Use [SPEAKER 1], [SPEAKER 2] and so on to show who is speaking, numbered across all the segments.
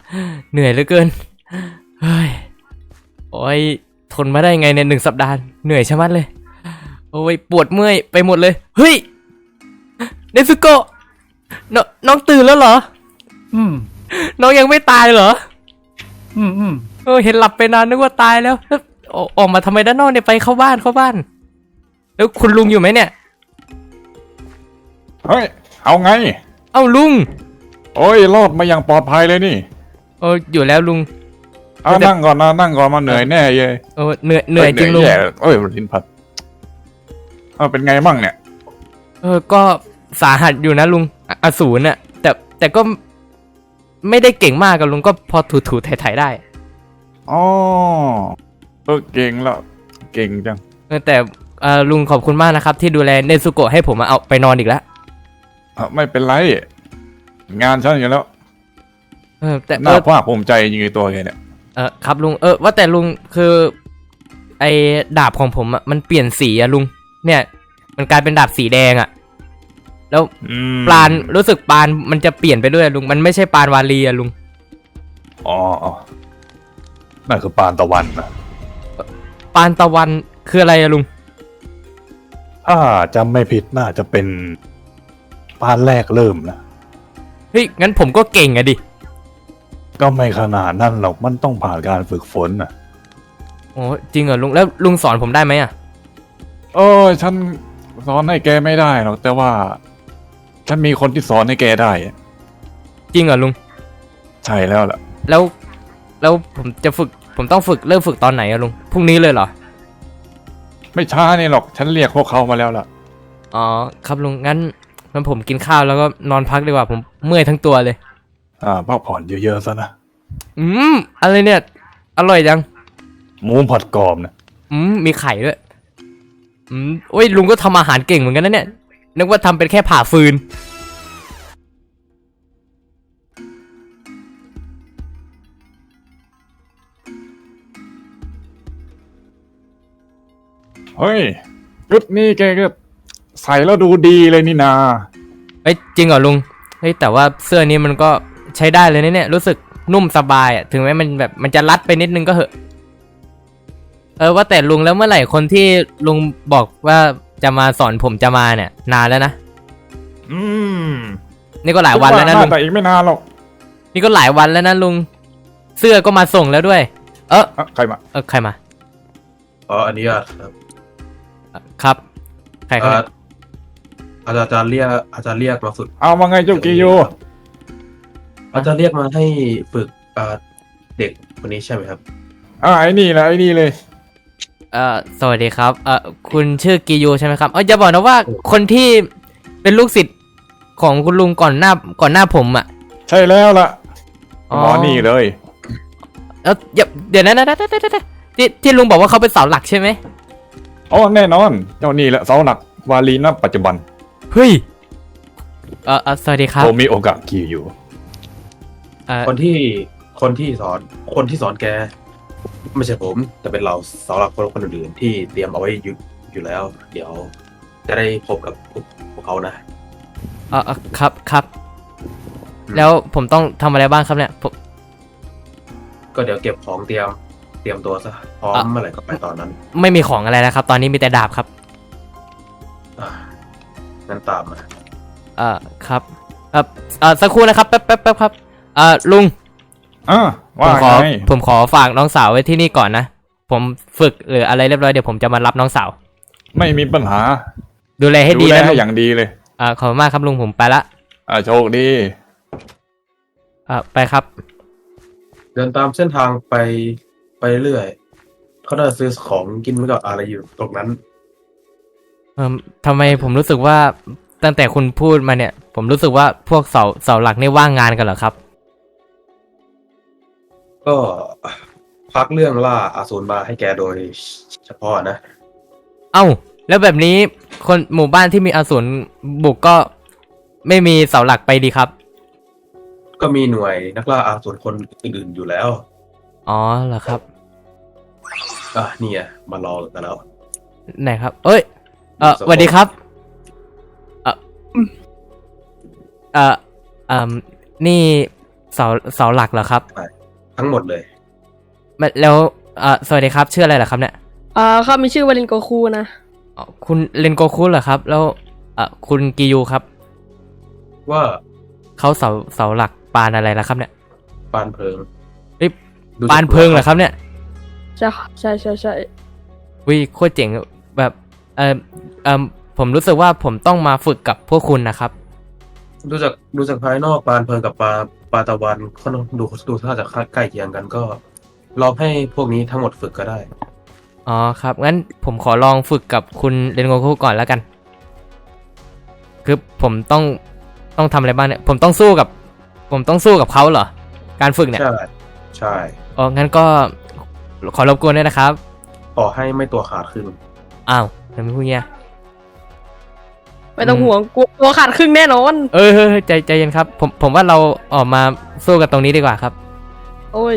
[SPEAKER 1] เหนื่อยเหลือเกินเฮ้ยโอ้ยทนมาได้ไงเนี่ย1 สัปดาห์เหนื่อยชะมัดเลยโอ้ยปวดเมื่อยไปหมดเลยเฮ้ยเนซึโกะน้องตื่นแล้วเหรอ
[SPEAKER 2] อืม
[SPEAKER 1] น้องยังไม่ตายเหรอ
[SPEAKER 2] อืม
[SPEAKER 1] เห็นหลับไปนานนึกว่าตายแล้วออกมาทำไมด้านนอกเนี่ยไปเข้าบ้านแล้วคุณลุงอยู่ไหมเนี่ย
[SPEAKER 2] เฮ้ยเอาไง
[SPEAKER 1] เอ้าลุง
[SPEAKER 2] โอ้ยรอดมาอย่างปลอดภัยเลยนี่
[SPEAKER 1] อยู่แล้วลุง
[SPEAKER 2] นั่งก่อนนะนั่งก่อนมาเหนื่อยแน่เลย
[SPEAKER 1] เหนื่อยจริงลุง
[SPEAKER 2] ลิ้นพัดเป็นไงบ้างเนี่ย
[SPEAKER 1] ก็สาหัสอยู่นะลุงอสูรน่ะแต่ก็ไม่ได้เก่งมากกับลุงก็พอถูๆไถๆได้
[SPEAKER 2] อ๋อเก่งแล้วเก่งจัง
[SPEAKER 1] แต่ลุงขอบคุณมากนะครับที่ดูแลเนซุโกะให้ผมเอาไปนอนอีกแล้ว
[SPEAKER 2] ไม่เป็นไรงานฉันอยู่แล้ว
[SPEAKER 1] แต่
[SPEAKER 2] น่าภาคภูมิใจจริงๆตัวแกเนี่ย
[SPEAKER 1] ครับลุงว่าแต่ลุงคือไอ้ดาบของผมอ่ะมันเปลี่ยนสีอะลุงเนี่ยมันกลายเป็นดาบสีแดงอะแล้วปราณรู้สึกปราณมันจะเปลี่ยนไปด้วยลุงมันไม่ใช่ปราณวาลีอะลุง
[SPEAKER 2] อ๋อนั่นคือปานตะวันนะ
[SPEAKER 1] ปานตะวันคืออะไรอะลุง
[SPEAKER 2] ถ้าจำไม่ผิดน่าจะเป็นปานแรกเริ่มนะ
[SPEAKER 1] เฮ้ยงั้นผมก็เก่งอะดิ
[SPEAKER 2] ก็ไม่ขนาดนั้นหรอกมันต้องผ่านการฝึกฝนนะ
[SPEAKER 1] โอ้จริงเหรอลุงแล้วลุงสอนผมได้ไหมอะ
[SPEAKER 2] ฉันสอนให้แกไม่ได้หรอกแต่ว่าฉันมีคนที่สอนให้แกได้
[SPEAKER 1] จริงเหรอลุง
[SPEAKER 2] ใช่แล้วล่ะ
[SPEAKER 1] แล้วผมต้องเริ่มฝึกตอนไหนอะลุงพรุ่งนี้เลยเหรอ
[SPEAKER 2] ไม่ช้านี่หรอกฉันเรียกพวกเขามาแล้วล่ะ
[SPEAKER 1] อ๋อครับลุงงั้นผมกินข้าวแล้วก็นอนพักดีกว่าผมเมื่อยทั้งตัวเลย
[SPEAKER 2] พักผ่อนเยอะๆซะนะ
[SPEAKER 1] อะไรเนี่ยอร่อยจัง
[SPEAKER 2] หมูผัดกรอบนะ
[SPEAKER 1] มีไข่ด้วยโอ้ยลุงก็ทำอาหารเก่งเหมือนกันนะเนี่ยนึกว่าทำเป็นแค่ผ่าฟืน
[SPEAKER 2] เฮ้ยชุดนี้แกก็ใส่แล้วดูดีเลยนี่นา
[SPEAKER 1] จริงเหรอลุงเฮ้ยแต่ว่าเสื้อนี้มันก็ใช้ได้เลยนะเนี่ยรู้สึกนุ่มสบายอ่ะถึงแม้มันจะรัดไปนิดนึงก็เหอะว่าแต่ลุงแล้วเมื่อไหร่คนที่ลุงบอกว่าจะมาสอนผมจะมาเนี่ยนานแล้วนะนี่ก็หลายวันแล้วนะลุง
[SPEAKER 2] แต่อีกไม่นานหรอก
[SPEAKER 1] นี่ก็หลายวันแล้วนะลุงเสื้อก็มาส่งแล้วด้วย
[SPEAKER 2] ใครมา
[SPEAKER 1] ใครมา
[SPEAKER 3] อันนี้
[SPEAKER 1] ครับใครครับ
[SPEAKER 3] อาจารย์เรียกมาฝึก
[SPEAKER 2] เอามาไงเจ้ากิโย
[SPEAKER 3] อาจารย์เรียกมาให้ฝึกเด็กคนนี้ใช่ไหมครับ
[SPEAKER 2] ไอ้นี่แหละไอ้นี่เลย
[SPEAKER 1] สวัสดีครับคุณชื่อกิโยใช่ไหมครับอย่าบอกนะว่าคนที่เป็นลูกศิษย์ของคุณลุงก่อนหน้าผมอ่ะ
[SPEAKER 2] ใช่แล้วล่ะหมอนี่เลย
[SPEAKER 1] เดี๋ยวนะที่ลุงบอกว่าเขาเป็นเสาหลักใช่ไหม
[SPEAKER 2] แน่นอนเจ้านี่แหละเสาหลักวาลีณปัจจุบัน
[SPEAKER 1] เฮ้ยสวัสดีครับ
[SPEAKER 2] ผมมีโอกาสกิโย
[SPEAKER 3] คนที่สอนแกไม่ใช่ผมแต่เป็นเราเสาหลักคนอื่นๆที่เตรียมเอาไว้อยู่แล้วเดี๋ยวจะได้พบกับพวกเขา
[SPEAKER 1] นะครับแล้วผมต้องทำอะไรบ้างครับเนี่ย
[SPEAKER 3] ก็เดี๋ยวเก็บของเตรียมตัวซะพร้อมเมื่อไหร่ก็ไปตอนนั้น
[SPEAKER 1] ไม่มีของอะไรนะครับตอนนี้มีแต่ดาบครับ
[SPEAKER 3] งั้นตามมา
[SPEAKER 1] ครับสักครู่นะครับแป๊บครับลุงผมขอฝากน้องสาวไว้ที่นี่ก่อนนะผมฝึกหรืออะไรเรียบร้อยเดี๋ยวผมจะมารับน้องสาว
[SPEAKER 2] ไม่มีปัญหา
[SPEAKER 1] ดูแลให้ดีนะลุง
[SPEAKER 2] อย่างดีเลย
[SPEAKER 1] ขอบคุณมากครับลุงผมไปละ
[SPEAKER 2] โชคดี
[SPEAKER 1] ไปครับ
[SPEAKER 3] เดินตามเส้นทางไปเรื่อยเขาได้ซื้อของกินไว้กับอะไรอยู่ตรงนั้น
[SPEAKER 1] ทำไมผมรู้สึกว่าตั้งแต่คุณพูดมาเนี่ยผมรู้สึกว่าพวกเสาหลักนี่ว่างงานกันเหรอครับ
[SPEAKER 3] ก็พักเรื่องล่าอสูรมาให้แกโดยเฉพาะนะ
[SPEAKER 1] แล้วแบบนี้คนหมู่บ้านที่มีอสูรบุกก็ไม่มีเสาหลักไปดีครับ
[SPEAKER 3] ก็มีหน่วยนักล่าอสูรคนอื่นๆอยู่แล้ว
[SPEAKER 1] เหรอครับ
[SPEAKER 3] นี่มารอกันแล้ว
[SPEAKER 1] ไหนครับสวัสดีครับนี่เสาเสาหลักเหรอครับ
[SPEAKER 3] ทั้งหมดเลย
[SPEAKER 1] แล้วสวัสดีครับชื่ออะไรเหรอครับเนี่ย
[SPEAKER 4] เขามีชื่อวาลินโกคูนะ
[SPEAKER 1] อ๋อคุณเรนโกคุเหรอครับ แล้วคุณกิยูครับ
[SPEAKER 3] ว่า
[SPEAKER 1] เขาเสาหลักปานอะไรล่ะครับเนี่ย
[SPEAKER 3] ปานเพลิง
[SPEAKER 1] เอ้ย
[SPEAKER 3] ดูจาก
[SPEAKER 1] ปานเพิงเหรอครับเนี่ย
[SPEAKER 4] ใช่ใช่ใช่ใช่
[SPEAKER 1] วิโคตรเจ๋งแบบผมรู้สึกว่าผมต้องมาฝึกกับพวกคุณนะครับ
[SPEAKER 3] ดูจากภายนอกปานเพลิงกับปลาตะวันเขาดูท่าจะใกล้เคียงกันก็ลองให้พวกนี้ทั้งหมดฝึกก็ได้
[SPEAKER 1] อ๋อครับงั้นผมขอลองฝึกกับคุณเรนโกคุก่อนแล้วกัน คือผมต้องทำอะไรบ้างเนี่ยผมต้องสู้กับเขาเหรอการฝึกเนี่ย
[SPEAKER 3] ใช่ใช่
[SPEAKER 1] อ๋องั้นก็ขอรบกวนด้วยนะครับ
[SPEAKER 3] ขอให้ไม่ตัวขาดขึ้น
[SPEAKER 1] อ้าวทำไมพูดเงี้ย
[SPEAKER 4] ไม่ต้องห่วงกลัวขาดครึ่งแน่นอน
[SPEAKER 1] เฮ้ยใจเย็นครับผมว่าเราออกมาสู้กันตรงนี้ดีกว่าครับ
[SPEAKER 4] โอ้ย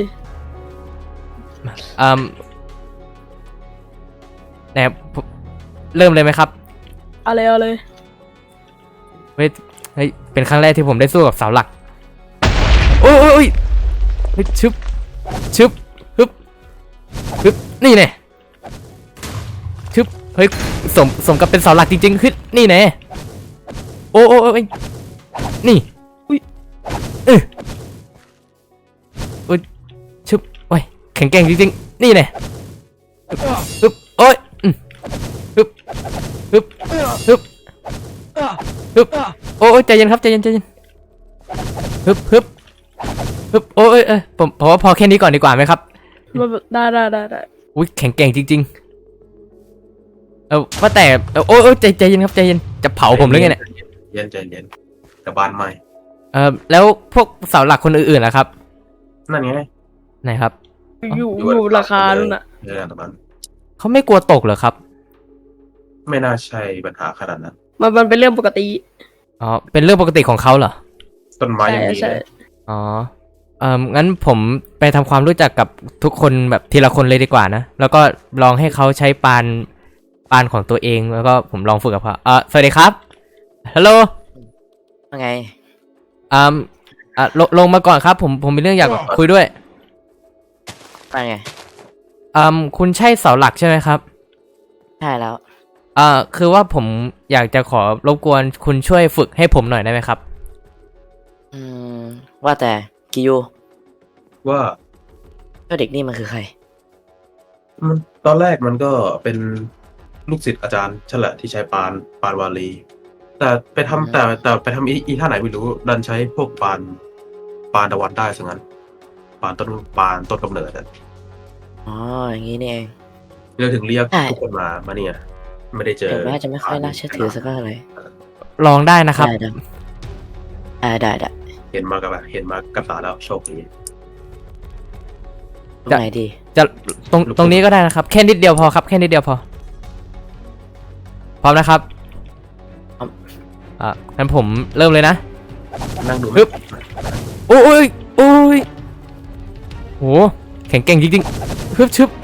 [SPEAKER 1] ไหนผมเริ่มเลยไหมครับ
[SPEAKER 4] เอาเลย
[SPEAKER 1] เฮ้ยเป็นครั้งแรกที่ผมได้สู้กับเสาหลักโอ้ยเฮ้ยชึบฮึบนี่แน่ชึบเฮ้ยสมกับเป็นเสาหลักจริงๆขึ้นนี่แน่โอ้ยนี่อุ้ยอุ้ยชึบโอ้ยแข็งแกร่งจริงๆนี่แน่ฮึบโอ้ยฮึบโอ้ยใจเย็นครับใจเย็นฮึบโอ้ยผมว่าพอแค่นี้ก่อนดีกว่าไหมครับ
[SPEAKER 4] ได้
[SPEAKER 1] อุ้ยแข็งแกร่งจริงๆว่าแต่โอ้ยใจเย็นครับใจเย็นจะเผาผมหรือไงเนี่ย
[SPEAKER 3] ใจเย็นแต่บ้านใหม่
[SPEAKER 1] แล้วพวกเสาหลักคนอื่นๆล่ะครับ
[SPEAKER 3] นั่นไง
[SPEAKER 1] ไหนครับ
[SPEAKER 4] อยู่ราคานู่นน่ะ
[SPEAKER 3] เรื่องแต่มัน
[SPEAKER 1] เขาไม่กลัวตกเหรอครับ
[SPEAKER 3] ไม่น่าใช่ปัญหาขนาดนั้น
[SPEAKER 4] มันเป็นเรื่องปกติ
[SPEAKER 1] อ๋อเป็นเรื่องปกติของเขาเหรอ
[SPEAKER 3] ต้นไม้ยังมี
[SPEAKER 4] ใช่
[SPEAKER 3] เลย
[SPEAKER 1] อ๋องั้นผมไปทำความรู้จักกับทุกคนแบบทีละคนเลยดีกว่านะแล้วก็ลองให้เขาใช้ปานของตัวเองแล้วก็ผมลองฝึกกับเขาสวัสดีครับฮัลโหล
[SPEAKER 5] ว่าไง
[SPEAKER 1] ลงมาก่อนครับผมมีเรื่องอยากคุยด้วย
[SPEAKER 5] ว่าไง
[SPEAKER 1] คุณใช่เสาหลักใช่ไหมครับ
[SPEAKER 5] ใช่แล้ว
[SPEAKER 1] คือว่าผมอยากจะขอรบกวนคุณช่วยฝึกให้ผมหน่อยได้ไหมครับ
[SPEAKER 5] อืม ว่าแต่กิยู
[SPEAKER 3] ว่า
[SPEAKER 5] เจ้าเด็กนี่มันคือใคร
[SPEAKER 3] มันตอนแรกมันก็เป็นลูกศิษย์อาจารย์ฉันแหละที่ใช้ปานวาลี แต่ไปทำแต่ไปทำอีท่าไหนไม่รู้ดันใช้พวกปานตะวันได้ซะงั้นปานต้นกำเนิดอะ
[SPEAKER 5] อ๋อ อย่างนี้นี่เอง
[SPEAKER 3] เราถึงเรียก
[SPEAKER 5] ใช่
[SPEAKER 3] ทุกคนมาเนี่ย ไม่ได้เจอ
[SPEAKER 5] ถึงแม้จะไม่ค่อยน่าเชื่อถือสักเท่าไหร่
[SPEAKER 1] ลองได้นะครับ
[SPEAKER 5] ได้
[SPEAKER 3] เห็นมากับตาแล้วโชคดี
[SPEAKER 5] ตรงไหนดี
[SPEAKER 1] จะตรงนี้ก็ได้นะครับแค่นิดเดียวพอครับแค่นิดเดียวพอพร้อมนะครับงั้นผมเริ่มเลยนะ
[SPEAKER 3] นั่งดู
[SPEAKER 1] ฮึบ โอ้ยโหแข็งแกร่งจริงๆฮึบชึบ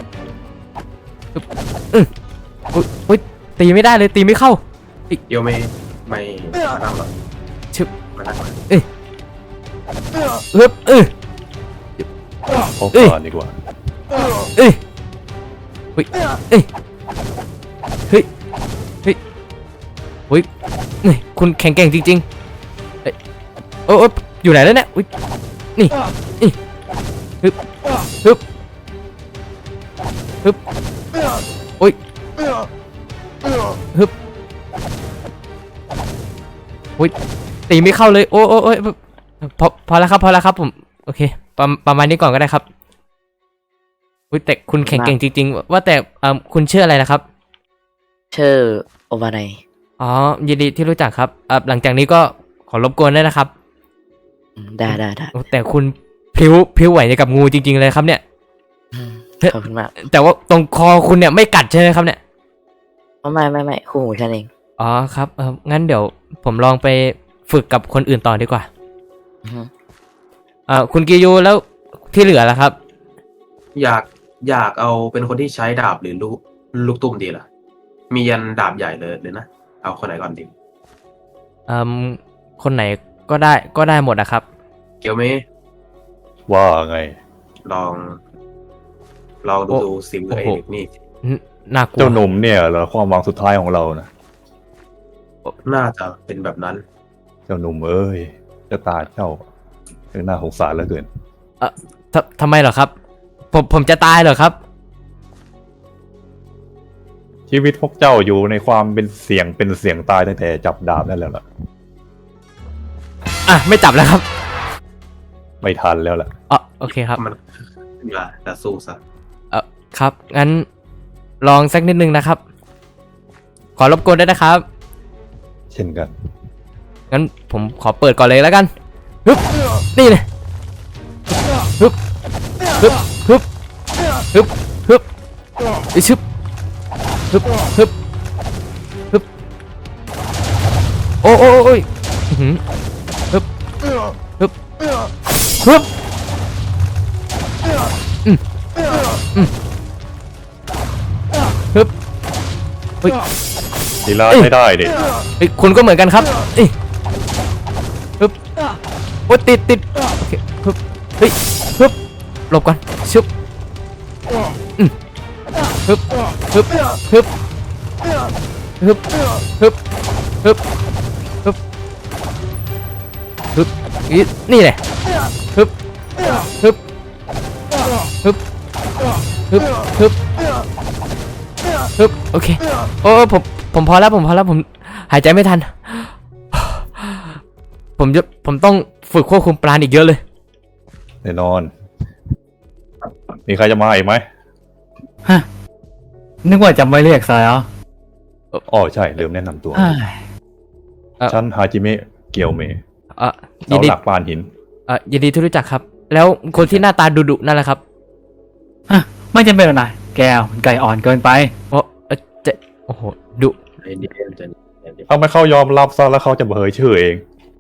[SPEAKER 1] โอ้ยตีไม่ได้เลยตีไม่เข้า
[SPEAKER 3] เดี๋ยวไม่มานั่งหรอก
[SPEAKER 1] ชึบ
[SPEAKER 3] มานั่งหรอก
[SPEAKER 1] ฮึบ
[SPEAKER 2] พบก่อนดีกว่า
[SPEAKER 1] เฮ้ยนี่คุณแข็งแกร่งจริงๆโอ้ยอยู่ไหนแล้วเนี่ยอุ๊ยนี่ฮึบโอ้ยฮึบโอ้ยตีไม่เข้าเลยโอ้ยพอแล้วครับผมโอเคประมาณนี้ก่อนก็ได้ครับอุ๊ยแต่คุณแข็งแกร่งจริงๆว่าแต่คุณชื่ออะไรนะครับ
[SPEAKER 5] ชื่อโอวาไน
[SPEAKER 1] อ๋อยินดีที่รู้จักครับหลังจากนี้ก็ขอรบกวนด้วยนะครับ
[SPEAKER 5] ได้
[SPEAKER 1] โอ้แต่คุณพลิ้วไหวอย่างกับงูจริงๆเลยครับเนี่ย
[SPEAKER 5] ขอบคุณมาก
[SPEAKER 1] แต่ว่าตรงคอคุณเนี่ยไม่กัดใช่ไหมครับเนี่ย
[SPEAKER 5] ไม่คู่หูฉันเอง
[SPEAKER 1] อ๋อครับงั้นเดี๋ยวผมลองไปฝึกกับคนอื่นต่อดีกว่า
[SPEAKER 5] อือฮึ
[SPEAKER 1] คุณกิยูแล้วที่เหลือล่ะครับ
[SPEAKER 3] อยากเอาเป็นคนที่ใช้ดาบหรือลูกตุ้มดีล่ะ มียันดาบใหญ่เลยนะ เอาคนไหนก่อนดี
[SPEAKER 1] คนไหนก็ได้หมดนะครับ
[SPEAKER 3] เกียวเม
[SPEAKER 2] ว่าไง
[SPEAKER 3] ลองดูซิมไอ้เด็กนี่
[SPEAKER 1] น่ากลัว
[SPEAKER 2] เจ้าหนุ่มเนี่ยเหรอความหวังสุดท้ายของเรานะ
[SPEAKER 3] น่าจะเป็นแบบนั้น
[SPEAKER 2] เจ้าหนุ่มเอ้ยเจ้าตาเจ้าน่าสงสารเหลือเกิน
[SPEAKER 1] ทำไมเหรอครับ ผมจะตายเหรอครับ
[SPEAKER 2] ชีวิตพวกเจ้าอยู่ในความเป็นเสี่ยงตายตั้งแต่จับดาบนั่นแล้วล่ะ
[SPEAKER 1] อ่ะไม่จับแล้วครับ
[SPEAKER 2] ไม่ทันแล้วล่ะ
[SPEAKER 1] อ๋อโอเคครับ
[SPEAKER 3] มันอย่าแต่สู้ซะ
[SPEAKER 1] ครับงั้นลองสักนิดนึงนะครับ ขอรบกวนด้วยนะครับ
[SPEAKER 2] เช่นกัน
[SPEAKER 1] งั้นผมขอเปิดก่อนเลยแล้วกันฮึบนี่เลยฮึบฮึบฮึบฮึบฮึบอีชึบฮึบฮึบฮึบโอ้โอ้ยอื้อหือฮึบฮึบฮึบฮึบเฮ้ย
[SPEAKER 2] ทีละใช้ได้เด็
[SPEAKER 1] เฮ้ยคุณก็เหมือนกันครับเอ้ยฮึบโอ้ติดโอเคฮึบเฮ้ยฮึบหลบก่อนชึบฮึบฮึบฮึบฮึบฮึบฮึบฮึบฮึบนี่แหละฮึบฮึบฮึบฮึบฮึบฮึบโอเคโอ้ผมพอแล้วผมหายใจไม่ทัน ผมต้องฝึกควบคุมปราณอีกเยอะเลย
[SPEAKER 2] แน่นอน มีใครจะมาอีกไหม
[SPEAKER 6] นึกว่าจำไว้เรียกซะแล้ว
[SPEAKER 2] อ๋อใช่ลืมแนะนำตัว
[SPEAKER 6] เอ้ย
[SPEAKER 2] ฉันฮาจิเมะเกียวเมะ
[SPEAKER 1] ยิ
[SPEAKER 2] เสาน
[SPEAKER 1] ดี
[SPEAKER 2] หลักปานหิน
[SPEAKER 1] ยินดีที่รู้จักครับ แล้วคนที่หน้าตาดุๆนั่นแหละครับ
[SPEAKER 6] ไม่จำเป็นหรอกนะแกไก่อ่อนเกินไป
[SPEAKER 1] โอ้จะโอ้โหดุ
[SPEAKER 3] ไอ้เด็กจะ
[SPEAKER 2] ถ้าไม่เขายอมรับซะแล้วเขาจะเผยชื่อเอง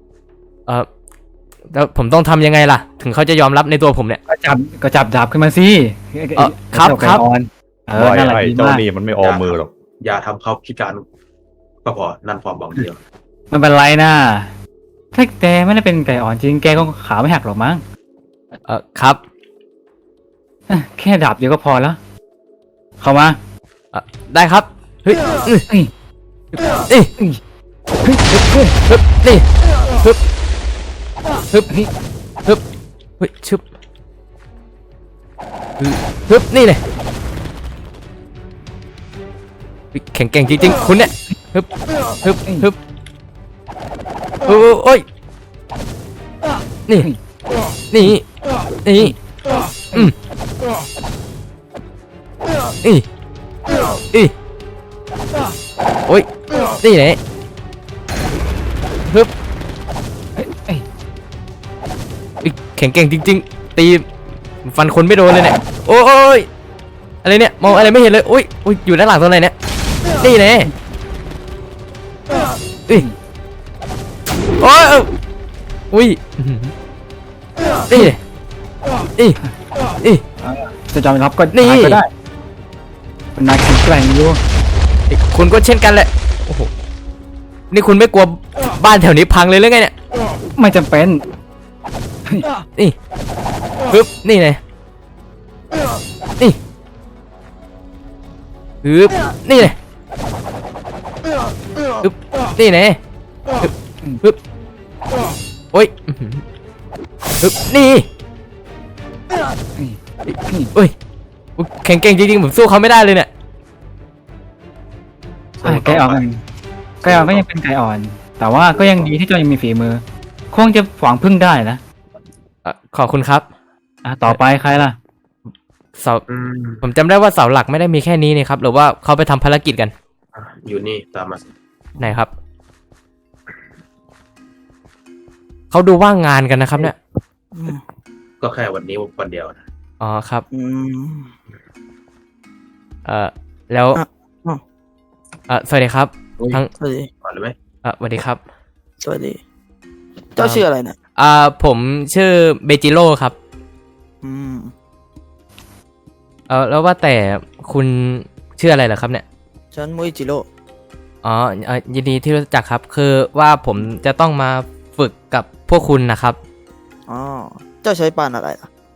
[SPEAKER 1] แล้วผมต้องทำยังไงล่ะ ถึงเขาจะยอมรับในตัวผมเนี่ย
[SPEAKER 6] ก็จับดาบขึ้นมาสิ
[SPEAKER 1] ครับ
[SPEAKER 6] เจ้าไก่
[SPEAKER 1] ครับ
[SPEAKER 6] อ่อนนั่นแหละ
[SPEAKER 2] ไอ้
[SPEAKER 6] ดี
[SPEAKER 2] เจ้าม
[SPEAKER 6] าก
[SPEAKER 2] นี่มันไม่ออมมือหรอก
[SPEAKER 3] อย่าทำเขาพิการก็พอนั่นความหวังเดียว
[SPEAKER 6] ไม่เป็นไรนะถ้าแกไม่ได้เป็นไก่อ่อนจริงแกก็ขาไม่หักหรอกมั้ง
[SPEAKER 1] ครับ
[SPEAKER 6] แค่ดาบเดียวก็พอแล้ว เข้ามา
[SPEAKER 1] ได้ครับเฮ้ย
[SPEAKER 6] เอ้ย
[SPEAKER 1] นี่
[SPEAKER 6] เฮ้ย
[SPEAKER 1] ฮึบนี่ฮึบฮึบฮึบเฮ้ยชึบฮึบนี่เลยแข็งแกร่งจริงๆคุณเนี่ยฮึบฮึบฮึบโอ้ยนี่นี่นี่นี่โอ้ยนี่ไหนฮึบแข็งแกร่งจริงๆตีฟันคนไม่โดนเลยเนี่ยโอ้ยอะไรเนี่ยมองอะไรไม่เห็นเลยอุ้ยอยู่ด้านหลังตรงไหนเนี่ยนี่ไหนโอ้ยอุ้ยนี่
[SPEAKER 6] จะยอมรับก็
[SPEAKER 1] นี่
[SPEAKER 6] ก็ได้เป็นนายแข็งแกร่งอยู่
[SPEAKER 1] คุณก็เช่นกันแหละโอ้โหนี่คุณไม่กลัวบ้านแถวนี้พังเลยหรือไงเนี่ย
[SPEAKER 6] ไม่จำเป็น
[SPEAKER 1] นี่ปึ๊บนี่ไงนี่ปึ๊บนี่ไงปึ๊บนี่ไงปึ๊บโอ้ยปึ๊บนี่โอ้ยแข็งแกร่งจริงๆผมสู้เขาไม่ได้เลยเนี่ย
[SPEAKER 6] ไก่อ่อนก็ยังเป็นไก่อ่อน แต่ว่าก็ยังดีที่เจ้ายังมีฝีมือ คงจะหวังพึ่งได้นะ
[SPEAKER 1] ขอบคุณครับ
[SPEAKER 6] ต่อไปใครล่ะ
[SPEAKER 1] เสาผมจำได้ว่าเสาหลักไม่ได้มีแค่นี้นี่ครับหรือว่าเขาไปทำภารกิจกัน
[SPEAKER 3] อยู่นี่ตามมา
[SPEAKER 1] ไหนครับเขาดูว่างงานกันนะครับเนี่ย
[SPEAKER 3] ก็แค่วันนี้วันเดียวนะ
[SPEAKER 1] อ๋อครับแล้วสวัสดีครับทั้ง
[SPEAKER 7] สวัสดี
[SPEAKER 3] ก่อนเลยไหม
[SPEAKER 1] สวัสดีครับ
[SPEAKER 7] สวัสดี เจ้าชื่ออะไรเนี่ย
[SPEAKER 1] ผมชื่อเบจิโร่ครับ
[SPEAKER 7] อืม
[SPEAKER 1] แล้วว่าแต่คุณชื่ออะไรเหรอครับเนี่ย
[SPEAKER 7] ฉันมุยจิโร่
[SPEAKER 1] อ๋อยินดีที่รู้จักครับคือว่าผมจะต้องมาฝึกกับพวกคุณนะครับ
[SPEAKER 7] อ๋อ เจ้าใช้ปานอะไรล่ะ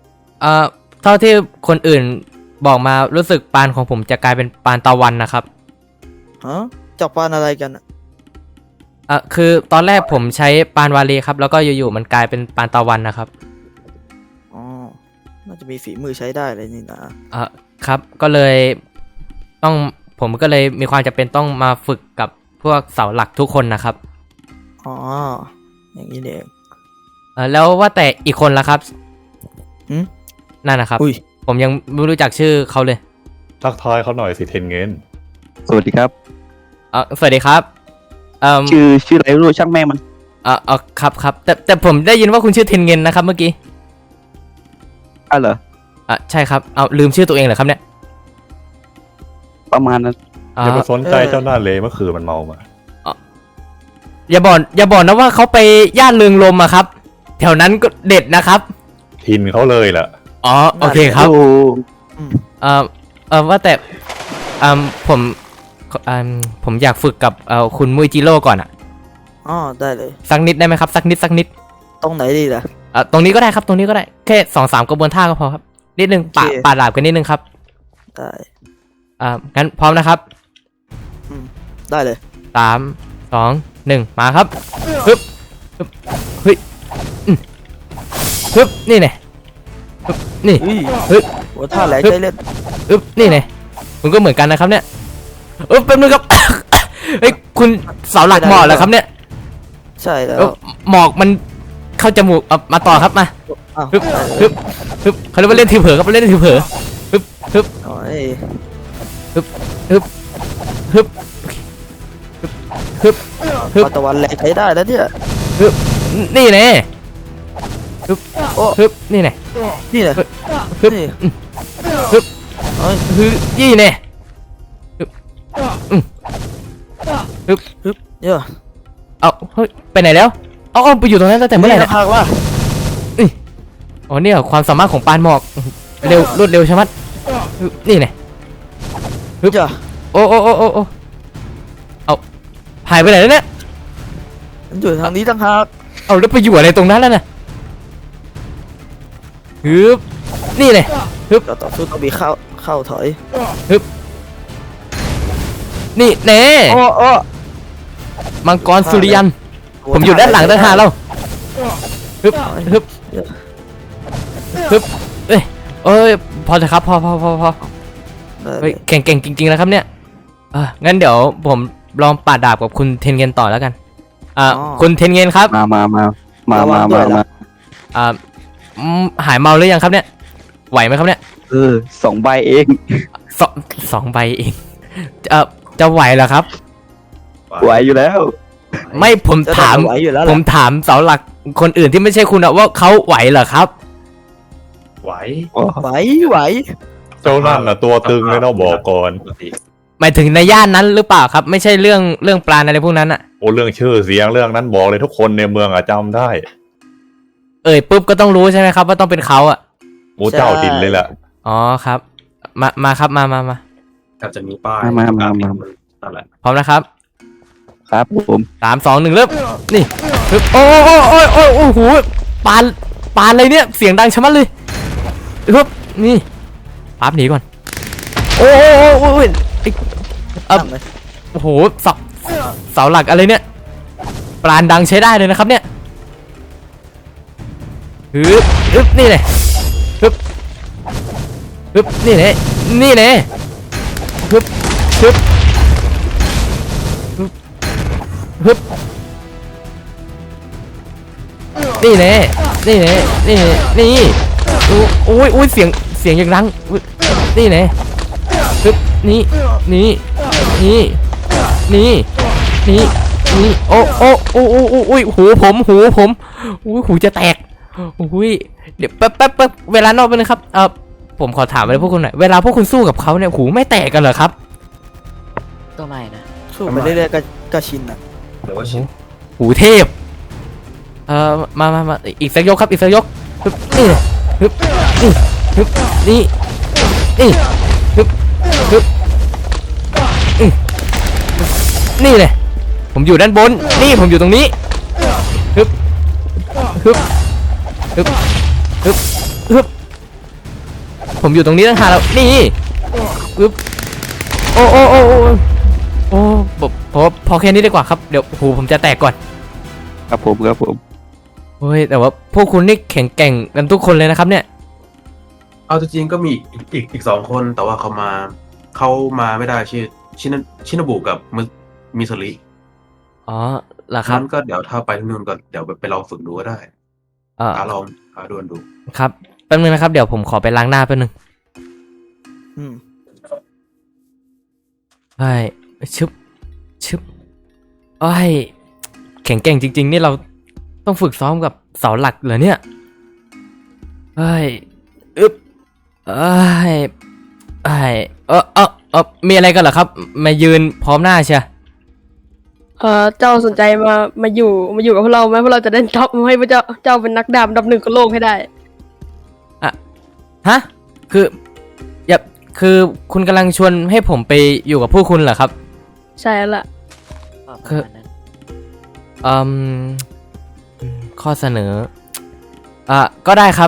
[SPEAKER 1] เท่าที่คนอื่นบอกมารู้สึกปานของผมจะกลายเป็นปานตะวันนะครับ
[SPEAKER 7] ฮะจับปานอะไรกันอะ
[SPEAKER 1] คือตอนแรกผมใช้ปานวาลีครับแล้วก็อยู่ๆมันกลายเป็นปานตะวันนะครับ
[SPEAKER 7] อ๋อ น่าจะมีฝีมือใช้ได้เลยนี่นะ
[SPEAKER 1] ครับก็เลยผมก็เลยมีความจำเป็นต้องมาฝึกกับพวกเสาหลักทุกคนนะครับ
[SPEAKER 7] อ๋อ อย่างนี้เอง
[SPEAKER 1] แล้วว่าแต่อีกคนละครับ
[SPEAKER 7] หืม
[SPEAKER 1] นั่นนะครับ
[SPEAKER 7] อุ้ย
[SPEAKER 1] ผมยังไม่รู้จักชื่อเขาเลย
[SPEAKER 2] ทักทายเขาหน่อยสิเทนเงิน
[SPEAKER 8] สวัสดีครับ
[SPEAKER 1] สวัสดีครับเอ่อ
[SPEAKER 8] ชื่ออะไรไม่รู้ช่างแม่งมัน
[SPEAKER 1] ครับแต่ผมได้ยินว่าคุณชื่อเทนเงินนะครับเมื่อกี้
[SPEAKER 8] อ้าวเหรอ
[SPEAKER 1] ใช่ครับเอาลืมชื่อตัวเองเหรอครับเนี่ย
[SPEAKER 8] ประมาณนั้น
[SPEAKER 2] อย่าไปสนใจเจ้าหน้าเลยเมื่อคืนมันเมามา
[SPEAKER 1] อย่าบอกนะว่าเขาไปย่านเรืองลมอะครับ แถวนั้นก็เด็ดนะครับ
[SPEAKER 2] ทินเขาเลยล่ะ
[SPEAKER 1] อ๋อโอเคครับ
[SPEAKER 8] โอ้
[SPEAKER 1] ว่าแต่ผมผมอยากฝึกกับคุณมุยจิโร่ก่อนอะ
[SPEAKER 7] อ๋อ ได้เลย
[SPEAKER 1] สักนิดได้ไหมครับสักนิด
[SPEAKER 7] ตรงไหนดีล่ะ
[SPEAKER 1] ตรงนี้ก็ได้ครับตรงนี้ก็ได้แค่2-3กระบวนท่าก็พอครับนิดนึง
[SPEAKER 7] โอเค
[SPEAKER 1] ปาดดาบกันนิดนึงครับ
[SPEAKER 7] ได้
[SPEAKER 1] งั้นพร้อมนะครับ
[SPEAKER 7] ได้เลย
[SPEAKER 1] 3-2-1มาครับฮึบเฮ้ยฮึบนี่ไงฮึบนี่
[SPEAKER 7] อุ้ย
[SPEAKER 1] เฮ้ย
[SPEAKER 7] โหท่าแหลกใจเล่น
[SPEAKER 1] ฮึบนี่ไงมันก็เหมือนกันนะครับเนี่ยแป๊บนึงครับ เฮ้ยคุณเสาหลักหมอกแล้วครับเนี่ย
[SPEAKER 7] ใช่แล้ว
[SPEAKER 1] หมอกมันเข้าจมูกมาต่อครับมา
[SPEAKER 7] อ้าว
[SPEAKER 1] ฮึบ
[SPEAKER 7] ได้เลย
[SPEAKER 1] ฮึบเขาเรียกว่าเล่นทีเผลอครับเล่นทีเผลอฮึบ
[SPEAKER 7] โอ้ย
[SPEAKER 1] ฮึบฮึบฮึบ
[SPEAKER 7] ปานตะวันแหลกใช้ได้แล้วเนี่ย
[SPEAKER 1] นี่แน่ฮึบ
[SPEAKER 7] โอ้
[SPEAKER 1] ฮึบนี่แน่
[SPEAKER 7] นี่แหละ
[SPEAKER 1] ฮึบ
[SPEAKER 7] นี่
[SPEAKER 1] ฮึบ
[SPEAKER 7] โอ้ย
[SPEAKER 1] ฮึบนี่แน่ฮึบฮึบ
[SPEAKER 7] เยอะ
[SPEAKER 1] เอาเฮ้ยไปไหนแล้วเอาไปอยู่ตรงนั้นตั้งแต่เมื่อไหร่เนี่ย
[SPEAKER 7] พากว่า
[SPEAKER 1] อ๋อเนี่ยความสามารถของปานหมอกเร็วรวดเร็วใช่ไหมฮึบนี่แน่ ฮึบ
[SPEAKER 7] จ้ะ
[SPEAKER 1] โอ้เอาหายไปไหนแล้วเนี่ย
[SPEAKER 7] มันอยู่ทางนี้ต่างหาก
[SPEAKER 1] เอาแล้วไปอยู่อะไรตรงนั้นแล้วนะฮึบนี่เลย
[SPEAKER 7] ก็ต่อสู้ต้องมีเข้าถอย
[SPEAKER 1] นี่แน่
[SPEAKER 7] โอ้
[SPEAKER 1] มังกรสุริยัน ผมอยู่ด้านหลังต่างหากแล้วฮึบฮึบฮึบเอ้ยพอเถอะครับพอ
[SPEAKER 7] ได้เล
[SPEAKER 1] เฮ้ย
[SPEAKER 7] ย
[SPEAKER 1] เก่งจริงๆแล้วครับเนี่ยงั้นเดี๋ยวผมลองปาดดาบกับคุณเทนเงินต่อแล้วกันคุณเทนเงินครับ
[SPEAKER 8] มา
[SPEAKER 1] หายเมาหรือยังครับเนี่ยไหวไหมครับเนี่ย
[SPEAKER 8] 2 ใบเอง
[SPEAKER 1] สองใบเองจะไหวเหรอครับ
[SPEAKER 8] ไหวอยู่แล้ว
[SPEAKER 1] ไม่ผมถาม
[SPEAKER 7] ไหวอยู่แล้ว
[SPEAKER 1] ผมถามเสาหลักคนอื่นที่ไม่ใช่คุณอะว่าเขาไหวเหรอครับ
[SPEAKER 3] ไหว
[SPEAKER 7] ไหว
[SPEAKER 2] เจ้านั่นน่ะตัวตึงเลยเนาะบอกก่อน
[SPEAKER 3] ปกติ
[SPEAKER 1] หมายถึงในย่านนั้นหรือเปล่าครับ ไม่ใช่เรื่องปลาอะไรพวกนั้นอะ
[SPEAKER 2] โอ้เรื่องชื่อเสียงเรื่องนั้นบอกเลยทุกคนในเมืองอะจำได้
[SPEAKER 1] ปุ๊บก็ต้องรู้ใช่ไหมครับว่าต้องเป็นเขาอะ
[SPEAKER 2] โอ้เจ้าถิ่นเลยแหละ
[SPEAKER 1] อ๋อครับ มาครับมา
[SPEAKER 3] อาจจะมีป้าย
[SPEAKER 8] มา
[SPEAKER 3] นั่นแหละ
[SPEAKER 1] พร้อมนะครับ
[SPEAKER 8] ครับผม
[SPEAKER 1] 3-2-1เริ่มนี่ปึ๊บโอ้โหปานอะไรเนี่ยเสียงดังชะมัดเลยปึ๊บนี่ปั๊บหนีก่อนโอ้โอ้โหเสาหลักอะไรเนี่ยปราณดังใช้ได้เลยนะครับเนี่ยฮึบนี่เลยฮึบนี่เลยฮึบนี่แน่นี่โอ้ยเสียงอย่างดังนี่แน่ปึ๊บนี่โอ้ยหูผมหูจะแตกโอ้ยเดี๋ยวแป๊บเวลานอกไปนะครับผมขอถามอะไรพวกคุณหน่อยเวลาพวกคุณสู้กับเขาเนี่ยหูไม่แตกกันเหรอครับ
[SPEAKER 5] ก็ไม่นะ
[SPEAKER 7] สู้ไปเรื่อยๆก็ชินอ่ะ
[SPEAKER 3] หรือว่าชิน
[SPEAKER 1] หูเทพมาอีกสักยกครับอีกสักยกฮึบนี่ฮึบนี่ฮึบนี่เลยผมอยู่ด้านบนนี่ผมอยู่ตรงนี้ฮึบผมอยู่ตรงนี้ตั้งหากแล้วนี่ปึ๊บโอ้โอ้โอ้โอ้โอ้พอแค่นี้ดีกว่าครับเดี๋ยวหูผมจะแตกก่อน
[SPEAKER 8] ครับผมครับผม
[SPEAKER 1] เฮ้ยแต่ว่าพวกคุณนี่แข็งแกร่งกันทุกคนเลยนะครับเนี่ย
[SPEAKER 3] เอาจริงๆก็มีอีก2 คนแต่ว่าเขามาไม่ได้ชื่อชินบุกับมิสริ
[SPEAKER 1] อ๋อเหรอครับ
[SPEAKER 3] นั้นก็เดี๋ยวถ้าไปที่นู่นก็เดี๋ยวไปลองฝึกดูก็ได้ ลองหาดวนดู
[SPEAKER 1] ครับแป๊บนึงนะครับเดี๋ยวผมขอไปล้างหน้าแป๊บนึง
[SPEAKER 7] อืม
[SPEAKER 1] ไอ้ชึบไอ้ยแข็งแกร่งจริง ๆ นี่เราต้องฝึกซ้อมกับเสาหลักเหรอเนี่ยไอ้ยอึ๊บไอ้ยมีอะไรกันเหรอครับมายืนพร้อมหน้าเชีย
[SPEAKER 4] เจ้าสนใจมาอยู่กับพวกเราไหมพวกเราจะได้ท็อปให้พระเจ้าเป็นนักดาบอันดับ 1ของโลกให้ได้
[SPEAKER 1] ฮะคือคือคุณกำลังชวนให้ผมไปอยู่กับพวกคุณเหรอครับ
[SPEAKER 4] ใช่แล้วล่ะ
[SPEAKER 1] คือ ข้อเสนอก็ได้ครับ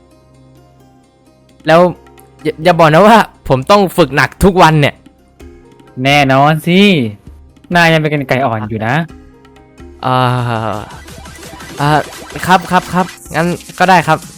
[SPEAKER 1] แล้วอย่าบอกนะว่าผมต้องฝึกหนักทุกวันเนี่ย
[SPEAKER 6] แน่นอนสินายยังเป็นไก่อ่อนอยู่นะ
[SPEAKER 1] ครับงั้นก็ได้ครับ